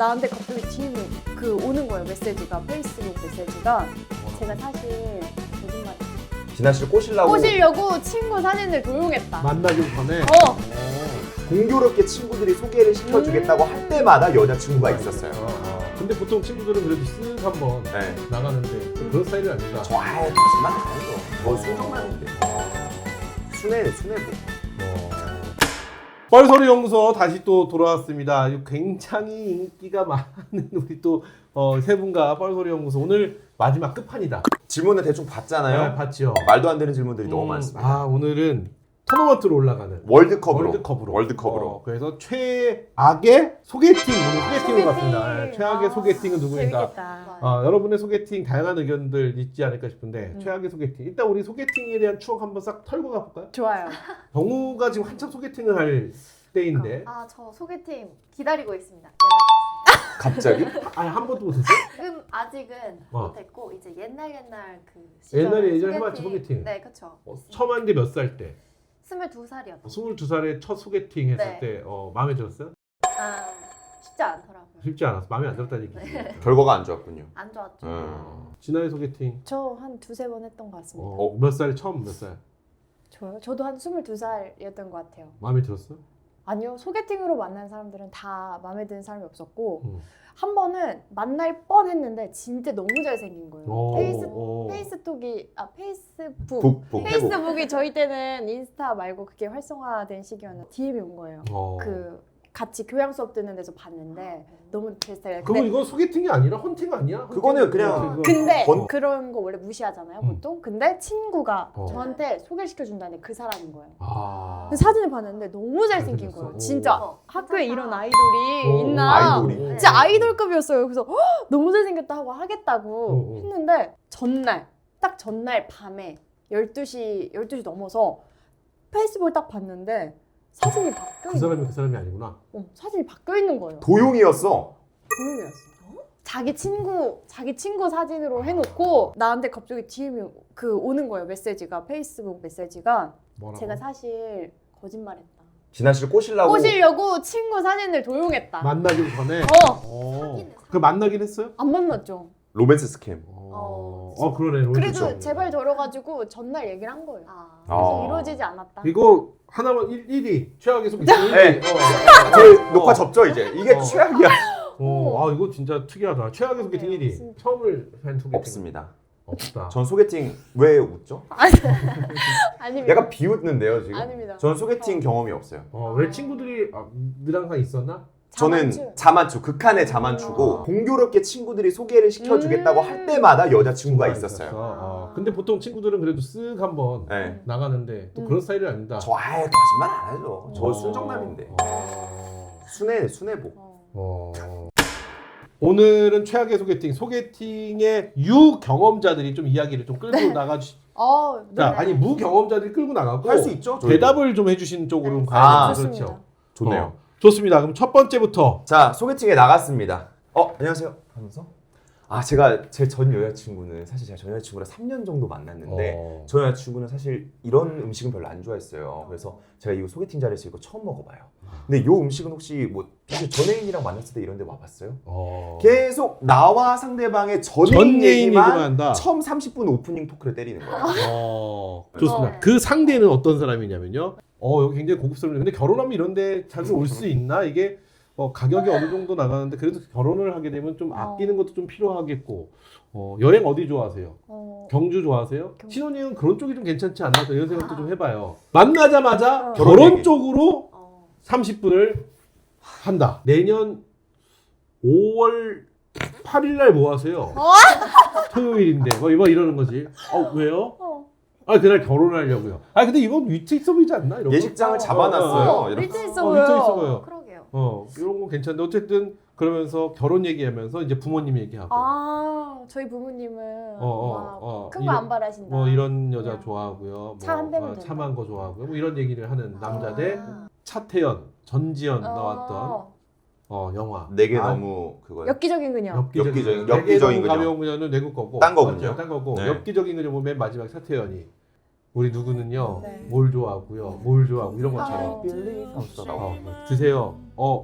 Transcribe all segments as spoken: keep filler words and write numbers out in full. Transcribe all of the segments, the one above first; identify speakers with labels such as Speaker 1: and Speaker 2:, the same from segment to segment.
Speaker 1: 나한테 갑자기 디엠이 그 오는 거예요. 메시지가 페이스북 메시지가. 제가 사실 거짓말.
Speaker 2: 진아 씨를 꼬시려고
Speaker 1: 꼬시려고 친구 사진을 도용했다.
Speaker 3: 만나기 전에.
Speaker 1: 어.
Speaker 2: 공교롭게 친구들이 소개를 시켜주겠다고 할 때마다 여자친구가 있었어요.
Speaker 3: 어, 어. 근데 보통 친구들은 그래도 쓱 한번
Speaker 2: 네.
Speaker 3: 나가는데 그런 스타일이 아니다.
Speaker 2: 저 아예 거짓말 안 해요. 저 순정만인데. 순해 순해보.
Speaker 3: 뻘소리 연구소 다시 또 돌아왔습니다. 굉장히 인기가 많은 우리 또 어, 세 분과 뻘소리 연구소 오늘 마지막 끝판이다.
Speaker 2: 질문을 대충 봤잖아요.
Speaker 3: 네, 봤죠.
Speaker 2: 말도 안 되는 질문들이 너무
Speaker 3: 음,
Speaker 2: 많습니다.
Speaker 3: 아 오늘은 토너먼트로 올라가는
Speaker 2: 월드컵으로.
Speaker 3: 월드컵으로.
Speaker 2: 월드컵으로.
Speaker 3: 어, 그래서 최악의 소개팅 오늘 소개팅으로
Speaker 1: 소개팅.
Speaker 3: 갔습니다. 네, 최악의
Speaker 1: 아,
Speaker 3: 소개팅은 누구인가?
Speaker 1: 재밌겠다.
Speaker 3: 어, 여러분의 소개팅 다양한 의견들 있지 않을까 싶은데
Speaker 1: 음.
Speaker 3: 최악의 소개팅 일단 우리 소개팅에 대한 추억 한번 싹 털고 가볼까요?
Speaker 1: 좋아요.
Speaker 3: 정우가 지금 한참 소개팅을 할 때인데
Speaker 4: 아, 저 소개팅 기다리고 있습니다.
Speaker 2: 갑자기?
Speaker 3: 아니 한 번도 못했어요?
Speaker 4: 지금 아직은
Speaker 3: 어.
Speaker 4: 못했고 이제 옛날 옛날 그
Speaker 3: 옛날에
Speaker 4: 시절
Speaker 3: 예전에 해봤지, 소개팅.
Speaker 4: 네, 그렇죠.
Speaker 3: 어, 처음 한 게 몇 살 때?
Speaker 4: 스물두 살이었죠.
Speaker 3: 스물두 살에 첫 소개팅 했을
Speaker 4: 네.
Speaker 3: 때 어, 마음에 들었어요?
Speaker 4: 아, 쉽지 않더라고요.
Speaker 3: 쉽지 않았어. 마음에 안 들었다는 얘기지.
Speaker 4: 네.
Speaker 2: 결과가 안 좋았군요.
Speaker 4: 안 좋았죠.
Speaker 2: 음.
Speaker 3: 진아의 소개팅
Speaker 1: 저 한 두세 번 했던 것 같습니다.
Speaker 3: 어, 몇 살? 처음 몇 살?
Speaker 1: 저요? 저도 한 스물두 살이었던 것 같아요.
Speaker 3: 마음에 들었어?
Speaker 1: 아니요. 소개팅으로 만난 사람들은 다 마음에 드는 사람이 없었고
Speaker 3: 음.
Speaker 1: 한 번은 만날 뻔했는데 진짜 너무 잘생긴 거예요.
Speaker 3: 오,
Speaker 1: 페이스,
Speaker 3: 오.
Speaker 1: 페이스톡이 아 페이스북
Speaker 2: 북, 북, 해북.
Speaker 1: 페이스북이 저희 때는 인스타 말고 그게 활성화된 시기였는데 디엠이 온 거예요.
Speaker 3: 어.
Speaker 1: 그 같이 교양 수업 듣는 데서 봤는데 너무 제 스타일.
Speaker 3: 그거 이거 소개팅이 아니라 헌팅 아니야?
Speaker 2: 그거는
Speaker 3: 헌팅?
Speaker 2: 그냥
Speaker 3: 그거-
Speaker 1: 근데
Speaker 2: 건-
Speaker 1: 그런 거 원래 무시하잖아요
Speaker 3: 음.
Speaker 1: 보통. 근데 친구가
Speaker 3: 어.
Speaker 1: 저한테 소개를 시켜준다는 그 사람인 거예요.
Speaker 3: 아.
Speaker 1: 그 사진을 봤는데 너무 잘생긴
Speaker 3: 잘생겼어?
Speaker 1: 거예요.
Speaker 3: 오.
Speaker 1: 진짜
Speaker 4: 어,
Speaker 1: 학교에
Speaker 4: 괜찮다.
Speaker 1: 이런 아이돌이
Speaker 3: 오,
Speaker 1: 있나?
Speaker 2: 아이돌이.
Speaker 4: 네.
Speaker 1: 진짜 아이돌급이었어요. 그래서 헉, 너무 잘생겼다 하고 하겠다고
Speaker 3: 오, 오.
Speaker 1: 했는데 전날 딱 전날 밤에 열두 시 열두 시 넘어서 페이스북을 딱 봤는데 사진이 바뀌어
Speaker 3: 그
Speaker 1: 있는
Speaker 3: 사람이
Speaker 1: 거예요.
Speaker 3: 그 사람이 아니구나.
Speaker 1: 어, 사진이 바뀌어 있는 거예요.
Speaker 2: 도용이었어.
Speaker 1: 도용이었어. 자기 친구 자기 친구 사진으로 해놓고 나한테 갑자기 디엠이 그 오는 거예요. 메시지가 페이스북 메시지가.
Speaker 3: 뭐라고?
Speaker 1: 제가 사실 거짓말했다.
Speaker 2: 진아 씨를 꼬시려고
Speaker 1: 꼬시려고 친구 사진을 도용했다.
Speaker 3: 만나기 전에.
Speaker 1: 어.
Speaker 3: 어.
Speaker 4: 사귀는
Speaker 3: 그 만나긴 했어요?
Speaker 1: 안 만났죠.
Speaker 2: 로맨스 스캠.
Speaker 3: 어,
Speaker 4: 어,
Speaker 3: 어 그러네. 로맨스
Speaker 1: 그래도
Speaker 3: 스캠.
Speaker 1: 제발 들어가지고 전날 얘기를 한 거예요.
Speaker 4: 아,
Speaker 1: 그래서
Speaker 2: 아.
Speaker 1: 이루어지지 않았다.
Speaker 3: 이거 하나만 일 위 최악의 소개팅.
Speaker 2: 네.
Speaker 3: 일 위. 어.
Speaker 2: 저희
Speaker 3: 어.
Speaker 2: 녹화 접죠 이제. 이게
Speaker 3: 어.
Speaker 2: 최악이야.
Speaker 3: 어, 아 이거 진짜 특이하다. 최악의 소개팅
Speaker 1: 네,
Speaker 3: 일 위.
Speaker 1: 진짜.
Speaker 3: 처음을 한 소개팅.
Speaker 2: 없습니다.
Speaker 3: 없다.
Speaker 2: 전 소개팅 왜 웃죠?
Speaker 1: 아닙니다.
Speaker 2: 약간 비웃는데요 지금.
Speaker 1: 아닙니다.
Speaker 2: 전 소개팅 경험이 없어요.
Speaker 3: 어, 왜 친구들이 아, 늘 항상 있었나?
Speaker 2: 저는
Speaker 1: 자만추.
Speaker 2: 자만추, 극한의 자만추고
Speaker 3: 어.
Speaker 2: 공교롭게 친구들이 소개를 시켜주겠다고
Speaker 1: 음.
Speaker 2: 할 때마다 여자친구가 있었어요.
Speaker 3: 어. 근데 보통 친구들은 그래도 쓱 한번
Speaker 2: 네.
Speaker 3: 나가는데 또
Speaker 1: 음.
Speaker 3: 그런 스타일이 아니다.
Speaker 2: 저 아예 거짓말 안 하죠. 저
Speaker 3: 어.
Speaker 2: 순정남인데.
Speaker 3: 어.
Speaker 2: 순해, 순해보.
Speaker 1: 어.
Speaker 3: 어. 오늘은 최악의 소개팅, 소개팅의 유경험자들이 좀 이야기를 좀 끌고 나가주.
Speaker 1: 어, 네.
Speaker 3: 자, 아니 무경험자들이 끌고 나가고
Speaker 2: 할 수 있죠. 저희도.
Speaker 3: 대답을 좀 해주시는 쪽으로
Speaker 1: 네.
Speaker 3: 가야
Speaker 2: 아,
Speaker 3: 되죠.
Speaker 1: 좋습니다.
Speaker 3: 그렇죠.
Speaker 2: 좋네요.
Speaker 3: 어, 좋습니다. 그럼 첫 번째부터.
Speaker 2: 자, 소개팅에 나갔습니다. 어, 안녕하세요. 하면서 아, 제가 제 전 여자친구는 사실 제가 전 여자친구랑 삼 년 정도 만났는데
Speaker 3: 어.
Speaker 2: 전 여자친구는 사실 이런 음식은 별로 안 좋아했어요. 그래서 제가 이 소개팅 자리에서 이거 처음 먹어봐요. 근데 이 음식은 혹시 뭐 사실 전애인이랑 만났을 때 이런 데 와봤어요?
Speaker 3: 어.
Speaker 2: 계속 나와 상대방의 전애인
Speaker 3: 전 애인 얘기만
Speaker 2: 얘기만
Speaker 3: 한다.
Speaker 2: 처음 삼십 분 오프닝 토크를 때리는 거예요.
Speaker 3: 어, 좋습니다.
Speaker 4: 어.
Speaker 3: 그 상대는 어떤 사람이냐면요. 어, 여기 굉장히 고급스러운데 근데 결혼하면 이런데 자주 올 수 있나? 이게 어, 가격이 어느 정도 나가는데 그래도 결혼을 하게 되면 좀 아끼는 것도 좀 필요하겠고. 어, 여행 어디 좋아하세요?
Speaker 1: 어,
Speaker 3: 경주 좋아하세요?
Speaker 1: 경주.
Speaker 3: 신혼여행 그런 쪽이 좀 괜찮지 않나? 이런 생각도 좀 해봐요. 만나자마자
Speaker 1: 어.
Speaker 3: 결혼
Speaker 2: 결혼 얘기.
Speaker 3: 쪽으로
Speaker 4: 어.
Speaker 3: 삼십 분을 한다. 내년 오월 팔일 날 뭐 하세요? 토요일인데 뭐 이거 이러는 거지. 어 왜요?
Speaker 1: 어.
Speaker 3: 아 그날 결혼하려고요. 아 근데 이건 위트 있어 보이지 않나? 이런 거?
Speaker 2: 예식장을
Speaker 1: 어,
Speaker 2: 잡아놨어요.
Speaker 3: 어, 어.
Speaker 2: 이렇게.
Speaker 1: 위트 있어
Speaker 3: 어,
Speaker 1: 보여.
Speaker 3: 위트 있어 보여.
Speaker 4: 그러게요.
Speaker 3: 어 이런 거 괜찮은데 어쨌든 그러면서 결혼 얘기하면서 이제 부모님 얘기하고
Speaker 1: 아, 저희 부모님은
Speaker 3: 어, 어,
Speaker 1: 막
Speaker 3: 어,
Speaker 1: 큰 거
Speaker 3: 이런-
Speaker 1: 안 바라신다.
Speaker 3: 뭐 이런 여자
Speaker 1: 그냥
Speaker 3: 좋아하고요.
Speaker 1: 차한 대면
Speaker 3: 뭐
Speaker 1: 된다.
Speaker 3: 참한 거 좋아하고요. 뭐 이런 얘기를 하는 남자 대
Speaker 1: 아.
Speaker 3: 차태현, 전지현
Speaker 1: 어.
Speaker 3: 나왔던 어 영화.
Speaker 2: 내게
Speaker 3: 아,
Speaker 2: 너무 그거요.
Speaker 1: 엽기적인 그녀.
Speaker 3: 엽기적인
Speaker 2: 엽기적인-
Speaker 3: 내게
Speaker 2: 엽기적인
Speaker 3: 너무
Speaker 2: 그녀.
Speaker 3: 가벼운 그녀는 외국 거고
Speaker 2: 딴 거군요.
Speaker 3: 맞죠? 딴 거고
Speaker 2: 네.
Speaker 3: 엽기적인 그녀 보면 마지막 차태현이 우리 누구는요
Speaker 1: 네.
Speaker 3: 뭘 좋아하고요 뭘 좋아하고 이런 것처럼
Speaker 1: 아,
Speaker 2: Believe 하면서 나와.
Speaker 3: 어, 드세요 어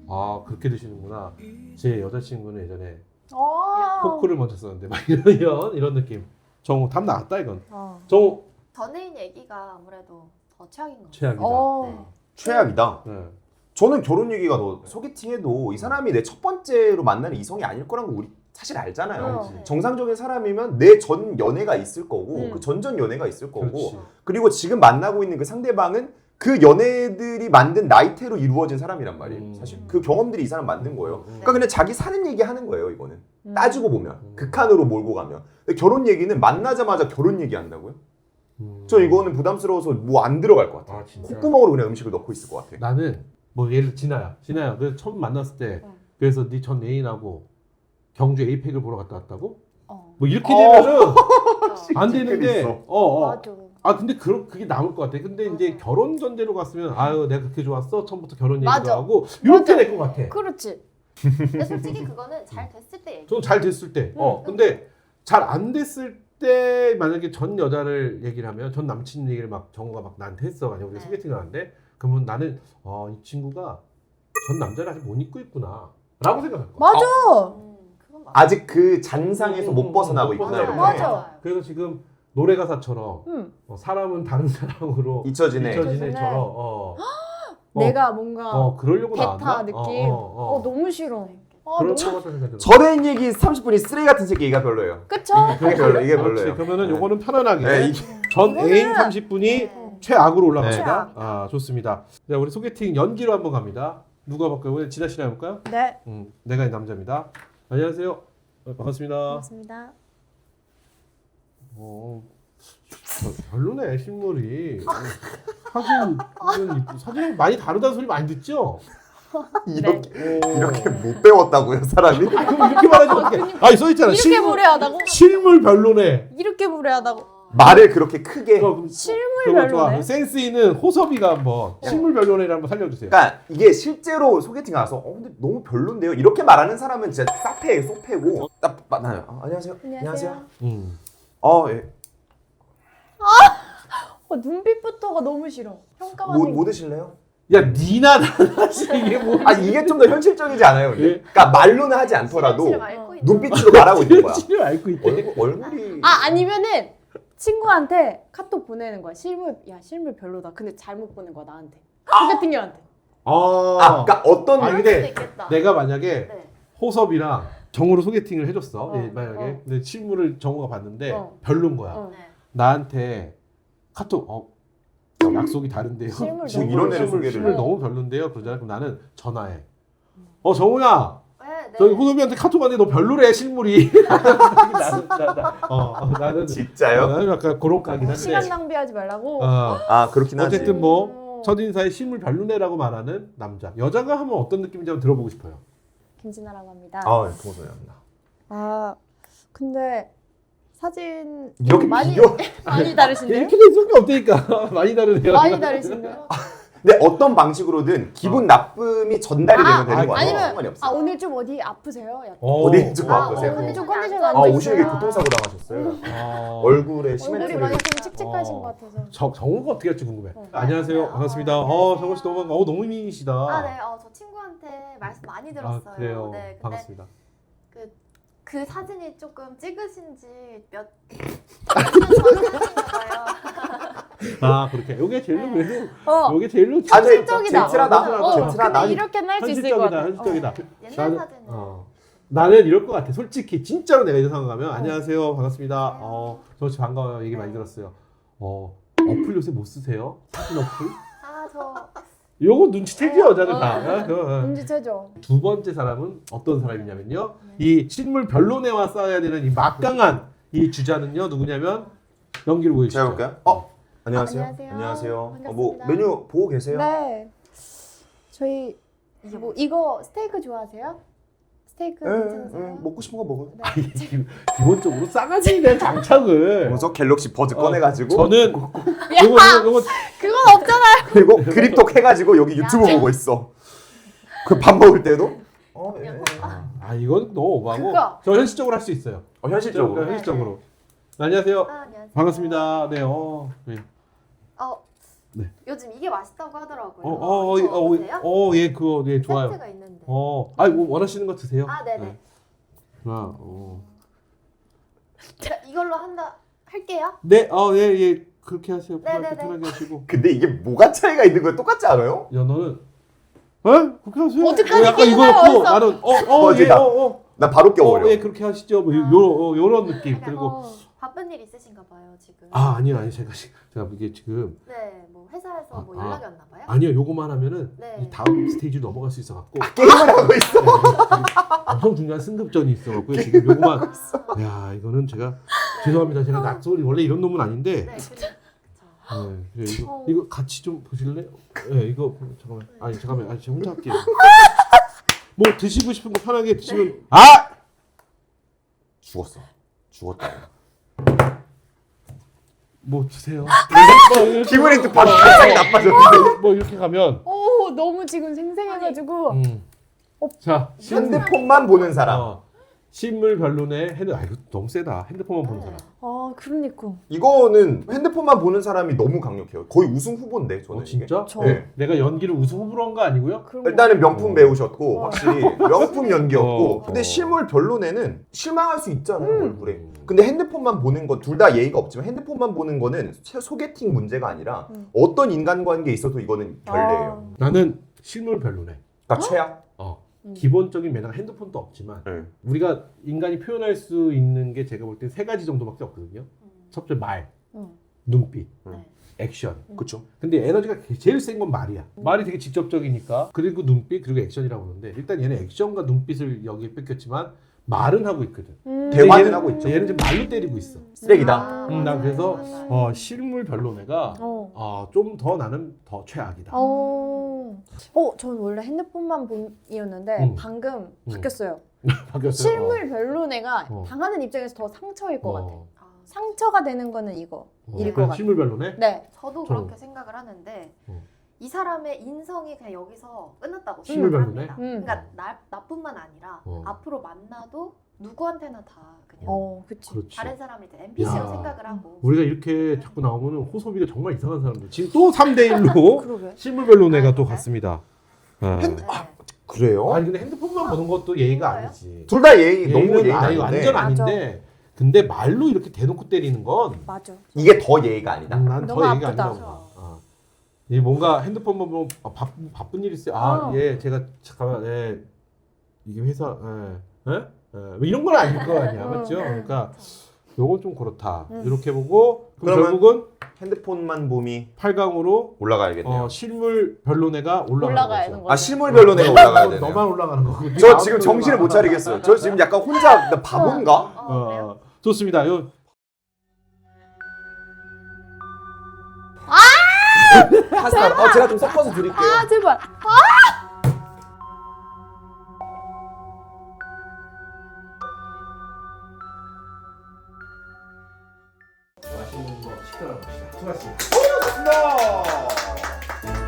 Speaker 3: 아 그렇게 드시는구나. 제 여자친구는 예전에
Speaker 1: 아.
Speaker 3: 포크를 먼저 썼는데 막 이런 이런, 이런 느낌. 정우 답 나왔다 이건.
Speaker 1: 어.
Speaker 3: 정우
Speaker 4: 전애인 얘기가 아무래도 더 최악인 것 같아요.
Speaker 3: 최악이다.
Speaker 1: 어.
Speaker 4: 네.
Speaker 2: 최악이다.
Speaker 3: 네.
Speaker 2: 저는 결혼 얘기가 더 소개팅해도 이 사람이 내 첫 번째로 만나는 이성이 아닐 거란 거 우리 사실 알잖아요.
Speaker 1: 어.
Speaker 4: 네.
Speaker 2: 정상적인 사람이면 내 전 연애가 있을 거고
Speaker 1: 음.
Speaker 2: 그 전전 연애가 있을 거고
Speaker 3: 그렇지.
Speaker 2: 그리고 지금 만나고 있는 그 상대방은 그 연애들이 만든 나이테로 이루어진 사람이란 말이에요.
Speaker 3: 음.
Speaker 2: 사실 그 경험들이 이 사람 만든 거예요.
Speaker 3: 음.
Speaker 2: 그러니까 그냥 자기 사는 얘기 하는 거예요. 이거는
Speaker 1: 음.
Speaker 2: 따지고 보면
Speaker 3: 음.
Speaker 2: 극한으로 몰고 가면. 근데 결혼 얘기는 만나자마자 결혼 얘기 한다고요?
Speaker 3: 음.
Speaker 2: 저 이거는 부담스러워서 뭐 안 들어갈 것 같아요.
Speaker 3: 아, 진짜?
Speaker 2: 콧구멍으로 그냥 음식을 넣고 있을 것 같아.
Speaker 3: 나는 뭐 예를 진아야, 진아야. 그 처음 만났을 때
Speaker 4: 응.
Speaker 3: 그래서 네 전 애인하고 경주 에이펙을 보러 갔다 왔다고?
Speaker 1: 어.
Speaker 3: 뭐 이렇게
Speaker 2: 어.
Speaker 3: 되면은
Speaker 4: 그렇죠.
Speaker 3: 안 되는데.
Speaker 2: 있어.
Speaker 3: 어, 어.
Speaker 1: 맞아.
Speaker 3: 아 근데 그 그게 남을 것 같아. 근데 이제
Speaker 4: 맞아.
Speaker 3: 결혼 전제로 갔으면 아유 내가 그렇게 좋았어. 처음부터 결혼 얘기도
Speaker 1: 맞아.
Speaker 3: 하고 이렇게
Speaker 1: 맞아.
Speaker 3: 될 것 같아.
Speaker 1: 그렇지.
Speaker 4: 근데 솔직히 그거는 잘 됐을 때 얘기.
Speaker 3: 좀 잘 됐을 때. 어.
Speaker 1: 응.
Speaker 3: 근데 잘 안 됐을 때 만약에 전 여자를 얘기를 하면 전 남친 얘기를 막 정우가 막 나한테 했어. 만약 우리가
Speaker 4: 네.
Speaker 3: 소개팅을 하는데 그러면 나는 어, 이 친구가 전 남자를 아직 못 잊고 있구나. 라고 생각할 거야.
Speaker 1: 맞아.
Speaker 4: 음, 그건 맞아.
Speaker 2: 아직 그 잔상에서
Speaker 3: 음,
Speaker 2: 못 벗어나고
Speaker 3: 못
Speaker 2: 있구나.
Speaker 4: 맞아요.
Speaker 2: 이렇게.
Speaker 1: 맞아.
Speaker 3: 그래서 지금 노래 가사처럼
Speaker 1: 응.
Speaker 3: 어, 사람은 다른 사람으로
Speaker 2: 잊혀지네.
Speaker 3: 잊혀지네처럼 어, 어,
Speaker 1: 내가 뭔가
Speaker 3: 어 그러려고
Speaker 1: 베타
Speaker 3: 나왔나?
Speaker 1: 느낌.
Speaker 3: 어, 어,
Speaker 1: 어,
Speaker 3: 어.
Speaker 1: 너무 싫어. 아,
Speaker 3: 그럴
Speaker 1: 너무
Speaker 3: 것 같다는 생각이 들어.
Speaker 2: 전애인 얘기 삼십 분이 쓰레기 같은 새끼가 별로예요.
Speaker 1: 그쵸?
Speaker 2: 이게 별로, 이게
Speaker 3: 그렇지.
Speaker 2: 별로예요.
Speaker 3: 그러면은
Speaker 2: 네.
Speaker 3: 요거는 편안하게
Speaker 2: 네, 이-
Speaker 3: 전
Speaker 1: 이거는-
Speaker 3: 애인 삼십 분이
Speaker 4: 네.
Speaker 3: 최악으로 올라갑니다.
Speaker 1: 최악.
Speaker 3: 아 좋습니다. 자 우리 소개팅 연기로 한번 갑니다. 누가 볼까요? 우리 진아 씨랑 해볼까요?
Speaker 1: 네.
Speaker 3: 음, 내가 이 남자입니다. 안녕하세요. 어, 반갑습니다.
Speaker 1: 반갑습니다.
Speaker 3: 어, 저- 별로네 실물이. 사진은 이쁘- 사진은 많이 다르다는 소리 많이 듣죠?
Speaker 2: 이렇게
Speaker 3: 어.
Speaker 2: 이렇게 못 배웠다고요, 사람이?
Speaker 3: 아, 그럼 이렇게 말하지 어떻게? 아니 써 있잖아.
Speaker 1: 이렇게
Speaker 3: 실물,
Speaker 1: 무례하다고?
Speaker 3: 실물 별로네.
Speaker 1: 이렇게 무례하다고?
Speaker 4: 어.
Speaker 2: 말을 그렇게 크게.
Speaker 3: 그럼
Speaker 1: 실물
Speaker 3: 그거 좋아.
Speaker 1: 별로네.
Speaker 3: 센스 있는 호섭이가 한번 실물 별로네를 한번 살려주세요.
Speaker 2: 그러니까 이게 실제로 소개팅 가서 어 근데 너무 별론데요. 이렇게 말하는 사람은 진짜 싸패, 쏙패고. 딱 만나요. 어, 안녕하세요.
Speaker 1: 안녕하세요.
Speaker 3: 음.
Speaker 2: 어, 예.
Speaker 1: 어, 눈빛부터가 너무 싫어. 평가받는
Speaker 2: 뭐,
Speaker 1: 게.
Speaker 2: 뭐 드실래요?
Speaker 3: 야 니나 나나지 이게 뭐?
Speaker 2: 아 이게 좀 더 현실적이지 않아요? 근데?
Speaker 3: 예.
Speaker 2: 그러니까 말로는 하지 않더라도
Speaker 4: 실을 앓고 있는
Speaker 2: 눈빛으로 말하고 있는 거야.
Speaker 3: 실을 앓고 있대.
Speaker 2: 얼굴, 얼굴이
Speaker 1: 아 아니면은 친구한테 카톡 보내는 거야. 실물 야 실물 별로다. 근데 잘못 보낸 거야 나한테. 소개팅녀한테.
Speaker 3: 아,
Speaker 2: 아, 그러니까 어떤
Speaker 3: 아니,
Speaker 4: 그럴
Speaker 3: 근데
Speaker 4: 수도 있겠다.
Speaker 3: 내가 만약에
Speaker 4: 네.
Speaker 3: 호섭이랑 정우로 소개팅을 해줬어.
Speaker 1: 어,
Speaker 3: 예, 만약에
Speaker 1: 어.
Speaker 3: 근데 실물을 정우가 봤는데
Speaker 1: 어.
Speaker 3: 별론 거야.
Speaker 1: 어.
Speaker 4: 네.
Speaker 3: 나한테 카톡 어 약속이 다른데요.
Speaker 1: 실물
Speaker 2: 지금
Speaker 1: 너무
Speaker 2: 이런 애를
Speaker 3: 실물,
Speaker 2: 소개를
Speaker 3: 실물
Speaker 1: 해.
Speaker 3: 너무 별론데요. 그러잖아. 그럼 나는 전화해. 어 정우야.
Speaker 4: 네, 네.
Speaker 3: 저기 호섭이한테 카톡 왔는데 너 별로래 실물이. 나는 나, 나, 어, 어, 나는
Speaker 2: 진짜요?
Speaker 3: 나는 약간 그런 가긴 한데.
Speaker 1: 시간 낭비하지 말라고.
Speaker 3: 어.
Speaker 2: 아 그렇긴 하지.
Speaker 3: 어쨌든 뭐
Speaker 1: 어.
Speaker 3: 첫인사에 실물 별로네라고 말하는 남자. 여자가 하면 어떤 느낌인지 한번 들어보고 싶어요.
Speaker 1: 김진아라고 합니다.
Speaker 2: 아 동소리합니다.
Speaker 1: 아 근데 사진
Speaker 2: 이렇게
Speaker 1: 많이
Speaker 2: 비교?
Speaker 1: 많이 다르신데요?
Speaker 3: 이렇게 될 수가 없다니까. 많이 다르네요.
Speaker 1: 많이 다르신데요?
Speaker 2: 근데 어떤 방식으로든 기분 나쁨이 전달이
Speaker 1: 아,
Speaker 2: 되면 되는
Speaker 3: 아,
Speaker 2: 거예요.
Speaker 1: 아니면
Speaker 2: 상관이 없어.
Speaker 1: 아 오늘 좀 어디 아프세요? 약간.
Speaker 3: 어.
Speaker 2: 어디 좀
Speaker 1: 아,
Speaker 2: 아프세요?
Speaker 1: 어, 근데 좀 컨디션
Speaker 2: 아
Speaker 1: 안
Speaker 2: 오시는 게
Speaker 1: 좋으세요?
Speaker 2: 교통사고 당하셨어요.
Speaker 3: 아.
Speaker 2: 얼굴에
Speaker 1: 얼굴이
Speaker 2: 시멘트를.
Speaker 1: 많이 좀 칙칙하신
Speaker 3: 어.
Speaker 1: 것 같아서.
Speaker 3: 정, 정우가 어떻게 할지 궁금해.
Speaker 1: 어.
Speaker 3: 안녕하세요.
Speaker 4: 네.
Speaker 3: 반갑습니다.
Speaker 4: 어,
Speaker 3: 어,
Speaker 4: 안녕하세요.
Speaker 3: 정우 씨 너무 반가워. 어, 너무 미인이시다.
Speaker 4: 아, 네. 어, 저 친구한테 말씀 많이 들었어요.
Speaker 3: 아, 그래요.
Speaker 4: 네, 근데
Speaker 3: 반갑습니다.
Speaker 4: 그 사진이 조금 찍으신지 몇 전에 사진인가요?
Speaker 3: 아, 그렇게. 요게 제일로
Speaker 4: 네.
Speaker 3: 그래도
Speaker 1: 어.
Speaker 3: 요게 제일로
Speaker 2: 아, 네.
Speaker 1: 현실적이다.
Speaker 2: 젠틀하다.
Speaker 1: 어,
Speaker 2: 젠틀하다.
Speaker 1: 근데 이렇게는 할 수 있을 것
Speaker 3: 현실적이다.
Speaker 1: 같아.
Speaker 3: 현실적이다.
Speaker 1: 어.
Speaker 4: 옛날
Speaker 3: 나는-
Speaker 4: 사진은
Speaker 3: 어. 나는 이럴 것 같아. 솔직히 진짜로 내가 이런 상황 가면 안녕하세요. 반갑습니다. 어, 저씨 반가워요. 얘기 많이
Speaker 4: 네.
Speaker 3: 들었어요. 어, 어플 요새 못 쓰세요? 사진 어플?
Speaker 4: 아, 저
Speaker 3: 요거 눈치채죠, 여자들
Speaker 1: 어.
Speaker 3: 다. 어, 그거, 어.
Speaker 1: 눈치채죠.
Speaker 3: 두 번째 사람은 어떤 사람이냐면요. 이 실물 별로네와 싸워야 되는 이 막강한 이 주자는요. 누구냐면 연기를 보여주시죠.
Speaker 2: 제가 볼까요? 어 안녕하세요.
Speaker 1: 안녕하세요.
Speaker 2: 안녕하세요. 어, 뭐
Speaker 1: 반갑습니다.
Speaker 2: 메뉴 보고 계세요?
Speaker 1: 네. 저희 뭐 이거 스테이크 좋아하세요? 스테이크
Speaker 2: 예,
Speaker 1: 괜찮으세요?
Speaker 2: 예, 먹고 싶은 거 먹어요.
Speaker 1: 네.
Speaker 3: 아니, 기- 기본적으로 싸가지에 대한 장착을
Speaker 2: 그래서 갤럭시 버즈
Speaker 3: 어,
Speaker 2: 꺼내가지고
Speaker 3: 저는 요거 요거 요거
Speaker 1: 그건 없잖아요.
Speaker 2: 그리고 그립톡 해가지고 여기 유튜브 보고 있어. 그 밥 먹을 때도 어, 예, 예.
Speaker 3: 아 이건 너무 오버하고
Speaker 1: 그거.
Speaker 3: 저 현실적으로 할 수 있어요.
Speaker 2: 어, 현실적으로.
Speaker 3: 현실적으로. 안녕하세요.
Speaker 4: 아, 안녕하세요.
Speaker 3: 반갑습니다. 네, 어. 네.
Speaker 4: 어,
Speaker 3: 네.
Speaker 4: 요즘 이게 맛있다고 하더라고요.
Speaker 3: 어, 어, 어,
Speaker 4: 이거
Speaker 3: 어,
Speaker 4: 보세요?
Speaker 3: 어, 예, 그거, 예, 좋아요.
Speaker 4: 세트가 있는데.
Speaker 3: 어, 아, 뭐 원하시는 거 드세요.
Speaker 4: 아, 네네.
Speaker 3: 네. 하나, 어.
Speaker 4: 자, 이걸로 한다 할게요.
Speaker 3: 네, 어, 예, 예, 그렇게 하세요.
Speaker 4: 네,
Speaker 3: 편하게,
Speaker 4: 네, 네.
Speaker 3: 편하게 하시고.
Speaker 2: 근데 이게 뭐가 차이가 있는 거예요? 똑같지 않아요?
Speaker 3: 야, 너는, 어? 그렇게 하세요.
Speaker 1: 어떡하지?
Speaker 3: 어, 약간
Speaker 1: 끼는
Speaker 3: 이거였고,
Speaker 1: 거였어.
Speaker 3: 나는, 어, 어,
Speaker 2: 어,
Speaker 3: 예,
Speaker 2: 제가.
Speaker 3: 어, 어.
Speaker 2: 나 바로 껴버려.
Speaker 3: 어, 예, 그렇게 하시죠. 뭐, 요,
Speaker 4: 아.
Speaker 3: 요, 요런 느낌.
Speaker 4: 약간
Speaker 3: 그리고,
Speaker 1: 어.
Speaker 4: 바쁜 일 있으신가 봐요, 지금.
Speaker 3: 아, 아니요, 아니, 제가, 지- 제가 이게 지금,
Speaker 4: 네, 뭐 회사에서 뭐
Speaker 3: 아,
Speaker 4: 연락이 왔나 봐요?
Speaker 3: 아니요, 요거만 하면은,
Speaker 4: 네.
Speaker 3: 이 다음 스테이지로 넘어갈 수 있어갖고,
Speaker 2: 게임을 하고 있어.
Speaker 3: 네, 지금 엄청 중요한 승급전이 있어갖고, 지금 요거만, 야, 이거는 제가, 죄송합니다. 제가 낙소리, 원래 이런 놈은 아닌데,
Speaker 4: 네, 그래. 그쵸.
Speaker 3: 네, 그래, 이거,
Speaker 1: 어.
Speaker 3: 이거 같이 좀 보실래? 네, 이거 잠깐만. 아니 잠깐만. 아니 제가 혼자 할게요. 뭐 드시고 싶은 거 편하게 드시면. 아!
Speaker 2: 죽었어. 죽었다.
Speaker 3: 뭐 드세요. 뭐 이렇게-
Speaker 2: 기분이 또 바로 갑자기 나빠졌는데.
Speaker 3: 뭐 이렇게 가면.
Speaker 1: 오 너무 지금 생생해가지고.
Speaker 3: 음. 자,
Speaker 2: 핸드폰만 보는 사람.
Speaker 3: 어, 실물 변론에 핸드. 아 이거 너무 세다. 핸드폰만 보는
Speaker 4: 네.
Speaker 3: 사람.
Speaker 1: 아 그러니까.
Speaker 2: 이거는 핸드폰만 보는 사람이 너무 강력해요. 거의 우승 후보인데 저는.
Speaker 3: 어 진짜?
Speaker 1: 저-
Speaker 2: 이게. 네.
Speaker 3: 내가 연기를 우승 후보로 한 거 아니고요?
Speaker 1: 그런 거.
Speaker 2: 일단은 명품
Speaker 3: 어.
Speaker 2: 배우셨고
Speaker 1: 어.
Speaker 2: 확실히 명품 연기였고
Speaker 3: 어.
Speaker 2: 근데
Speaker 3: 어.
Speaker 2: 실물 별론에는 실망할 수 있잖아요
Speaker 1: 음.
Speaker 2: 얼굴에. 근데 핸드폰만 보는 거 둘 다 예의가 없지만 핸드폰만 보는 거는 소- 소개팅 문제가 아니라
Speaker 1: 음.
Speaker 2: 어떤 인간관계에 있어도 이거는 결례예요.
Speaker 3: 나는 실물 변론에.
Speaker 2: 그러니까 최악.
Speaker 3: 어.
Speaker 1: 음.
Speaker 3: 기본적인 매너가 핸드폰도 없지만
Speaker 2: 네.
Speaker 3: 우리가 인간이 표현할 수 있는 게 제가 볼 때 세 가지 정도밖에 없거든요.
Speaker 4: 음.
Speaker 3: 첫 번째 말,
Speaker 1: 응.
Speaker 3: 눈빛,
Speaker 4: 네.
Speaker 3: 액션.
Speaker 2: 그렇죠.
Speaker 3: 근데 에너지가 제일 센 건 말이야. 말이 되게 직접적이니까. 그리고 눈빛 그리고 액션이라고 하는데 일단 얘는 액션과 눈빛을 여기에 뺏겼지만 말은 하고 있거든.
Speaker 1: 음.
Speaker 2: 대화는
Speaker 3: 얘는-
Speaker 2: 하고 있죠.
Speaker 3: 얘는 지금 말로 때리고 있어.
Speaker 2: 쓰레기다.
Speaker 4: 아,
Speaker 3: 음, 난
Speaker 4: 맞아요.
Speaker 3: 그래서
Speaker 4: 맞아요.
Speaker 3: 어, 실물 별로네가
Speaker 1: 어.
Speaker 3: 어, 좀 더 나는 더 최악이다.
Speaker 1: 어. 어, 저는 원래 핸드폰만 본이었는데
Speaker 3: 음.
Speaker 1: 방금 바뀌었어요.
Speaker 3: 바뀌었어요.
Speaker 1: 실물 별로네가
Speaker 3: 어.
Speaker 1: 당하는 입장에서 더 상처일 것 같아.
Speaker 3: 어.
Speaker 4: 아,
Speaker 1: 상처가 되는 거는 이거.
Speaker 3: 어,
Speaker 1: 일일 것
Speaker 3: 그래서
Speaker 1: 같아.
Speaker 3: 실물 별로네.
Speaker 1: 네.
Speaker 4: 저도
Speaker 3: 저는-
Speaker 4: 그렇게 생각을 하는데
Speaker 3: 어.
Speaker 4: 이 사람의 인성이 그냥 여기서 끝났다고
Speaker 3: 실물
Speaker 4: 생각을
Speaker 3: 별로네?
Speaker 4: 합니다.
Speaker 1: 음.
Speaker 4: 그러니까 나, 나뿐만 아니라
Speaker 3: 어.
Speaker 4: 앞으로 만나도 누구한테나 다 그냥
Speaker 1: 어, 그치.
Speaker 3: 그렇지.
Speaker 4: 다른 사람을 이제 엠피씨로
Speaker 3: 야.
Speaker 4: 생각을 하고
Speaker 3: 우리가 이렇게 자꾸 나오면은 호소비가 정말 이상한 사람들. 지금 또 삼 대 일로
Speaker 1: 그러게.
Speaker 3: 실물 별로네가
Speaker 4: 아,
Speaker 3: 또
Speaker 4: 그래?
Speaker 3: 갔습니다. 어.
Speaker 2: 핸드-
Speaker 4: 네.
Speaker 2: 그래요?
Speaker 3: 아니 근데 핸드폰만 보는 것도 예의가
Speaker 4: 그거예요?
Speaker 3: 아니지.
Speaker 2: 둘 다 예의 너무
Speaker 3: 예의는
Speaker 2: 예의가
Speaker 3: 아니,
Speaker 2: 아닌데
Speaker 3: 완전 아닌데 근데 말로 이렇게 대놓고 때리는 건
Speaker 1: 맞아.
Speaker 2: 이게 더 예의가 아니다.
Speaker 3: 난 더
Speaker 1: 너무
Speaker 3: 예의가
Speaker 1: 아프다.
Speaker 3: 아니라고 봐. 어. 이 뭔가 핸드폰만 보면 아, 바, 바쁜 일 있어요. 아,
Speaker 1: 어.
Speaker 3: 예, 제가 잠깐만, 예, 이게 회사, 예, 예, 예, 뭐 이런 건 아닐 거 아니야,
Speaker 1: 어.
Speaker 3: 맞죠? 그러니까 요건 좀 그렇다.
Speaker 1: 음.
Speaker 3: 이렇게 보고 그럼
Speaker 2: 그러면
Speaker 3: 결국은
Speaker 2: 핸드폰만 봄이
Speaker 3: 팔 강으로
Speaker 2: 올라가야겠네요.
Speaker 3: 어, 실물 별로네가 올라가는
Speaker 1: 올라가야
Speaker 3: 거죠.
Speaker 1: 되는
Speaker 2: 아 실물 별로네가 올라가야 되네요.
Speaker 3: 너만 올라가는 거고.
Speaker 2: 저 지금 정신을 못 차리겠어요. 저 지금 약간 혼자 나 바본가?
Speaker 4: 어, 그래요?
Speaker 3: 어, 좋습니다. 요
Speaker 2: 파스타. 어 제가 좀 섞어서 드릴게요.
Speaker 1: 아, 제발.
Speaker 3: 맛있는 거 시켜라 봅시다. 수고하셨습니다.
Speaker 2: 고맙습니다.